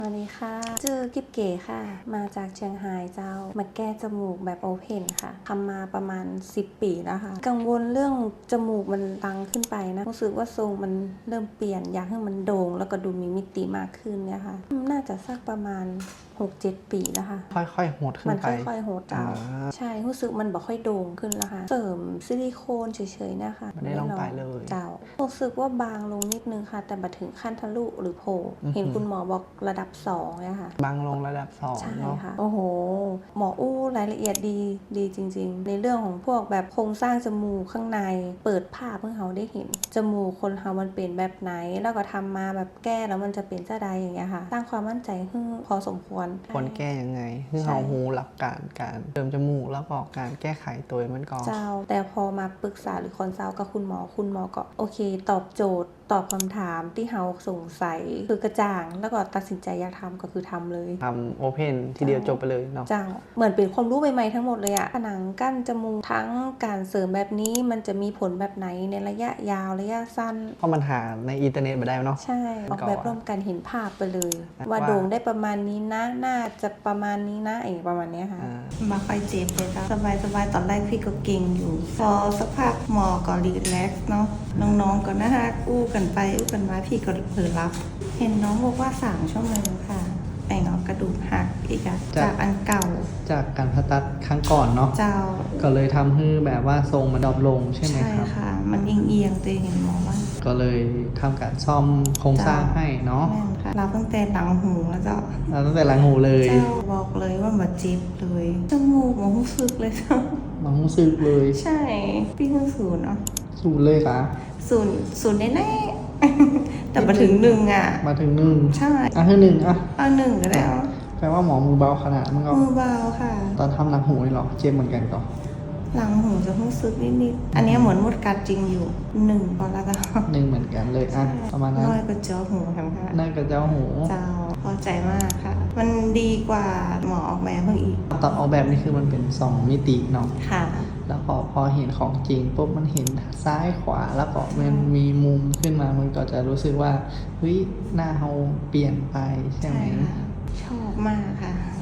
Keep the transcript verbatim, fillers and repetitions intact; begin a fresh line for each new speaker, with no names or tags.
สวัสดีค่ะชื่อกิ๊บเก๋ค่ะ มาจากเชียงรายเจ้า มาแก้จมูกแบบโอเพนค่ะทำมาประมาณสิบปีแล้วค่ะ กังวลเรื่องจมูกมันตังขึ้นไปนะ รู้สึกว่าทรงมันเริ่มเปลี่ยน อยากให้มันโด่งแล้วก็ดูมีมิติมากขึ้นเนี่ยค่ะ น่าจะสักประมาณ หกเจ็ด ปีแล้วค่ะ
ค่อยๆโหดขึ้นไป
มันค่อยๆโหดเจ้า ใช่ รู้สึกมันบอกค่อยโด่งขึ้นแล้วค่ะ เสริมซิลิโคนเฉยๆนะคะ
ไม่ได้ลงไปเลย
เจ้า รู้สึกว่าบางลงนิดนึงค่ะ แต่มาถึงขั้นทะลุหรือโผล่เห็นคุณหมอบอกระดับสองเนี่ยค่ะ
บางลงระดับสอง
ใช่
เนาะ
ค่ะ โอ้โห หมออู้รายละเอียดดีดีจริงๆ ในเรื่องของพวกแบบโครงสร้างจมูกข้างในเปิดภาพเพื่อเขาได้เห็น จมูกคนเขามันเป็นแบบไหน แล้วก็ทำมาแบบแก้แล้วมันจะเป็นเจ้าใดอย่างเงี้ยค่ะสร้างความมั่นใจให้พอสมควร
ควรแก้ยังไงคือเขาหูหลักการการเติมจมูกแล้วก็การแก้ไขตัวมันก็
เจ้า แต่พอมาปรึกษาหรือคอนซัลท์กับคุณหมอคุณหมอก็โอเค ตอบโจทย์ ตอบคำถามที่เราสงสัยคือกระจ่าง แล้วก็ตัดสินใจอยากทำก็คือทำเลย
ทำโอเพนทีเดียวจบไปเลยเนาะ
เจ้า เหมือนเป็นความรู้ใหม่ๆทั้งหมดเลยอะผนังกั้นจมูกทั้งการเสริมแบบนี้มันจะมีผลแบบไหนในระยะยาวระยะสั้น
เพราะมันหาในอินเทอร์เน็ตมาได้เนาะ
ใช่ ออกแบบร่วมกันเห็นภาพไปเลย ว่า
ว่า
โด่งได้ประมาณนี้นะ น่าจะประมาณนี้นะไอ้ประมาณเนี้ยค่ะ
อ่า
มาค่อยเจ็บเลยจ้ะสบายสบายๆตอนแรกพี่ก็เก่งอยู่ พอสักพักหมอก็รีแลกซ์เนาะน้องๆก็น่ารักอู้กันไปอู้กันมาพี่ก็เผลอรับ เห็นน้องบอกว่าสามชั่วโมงค่ะไอ้เนาะกระดูกหักอีกอะจากอันเก่า
จากการผ่าตัดครั้งก่อนเนาะ
เจ้า
ก็เลยทำให้แบบว่าทรงมันดรอปลงใช่ไหม
ใช่
ครับ
ค่ะ มันเอียงๆตัวเองเห็นหมอว่า
ก็เลยทำการซ่อมโครงสร้างให้เนาะ
แม่นค่ะเราตั้งแต่หลังหูแล้วเจ้า
เราตั้งแต่หลังหูเลย
เจ้าบอกเลยว่ามาเจ็บเลยจมูกหมอรู้สึกเลยเจ้า
น้องซึกเลย
ใช่พี่เพิ่งศูนย์เนาะ
สูดเลยค่ะ
ศูนย์ศูนย์แน่ๆ แต่มาถึงหนึ่งอ่ะ
มาถึงหนึ่ง
ใช่
อ่ะคือหนึ่งอ่ะ
เอาหนึ่งก็ได้เอา
แปลว่าหมอมือเบาขนาดมันก็
มือเบาค่ะ
ตอนทำหลังหูนี่หรอเจ็บเหมือนกันก็
หลังหูจะรู้สึกนิดๆ อันนี้เหมือนมดกัดจริงอยู่หนึ่งพอแล้วก็
หนึ่งเหมือนกันเลยอ่ะประมาณนั้น
น้อยก็เจาะหูทำค่ะ
นั่นกับเจ้าหู
เจ้าพอใจมากค่ะ มันดีกว่าหมอออกแบบเพิ่งอีก
ตอนออกแบบนี่คือมันเป็นสองมิติเนาะ
ค่ะ
แล้วพอพอเห็นของจริงปุ๊บมันเห็นซ้ายขวาแล้วก็มันมีมุมขึ้นมามันก็จะรู้สึกว่าเฮ้ยหน้าเราเปลี่ยนไปใช่ไหม
ค่ะ ชอบมากค่ะ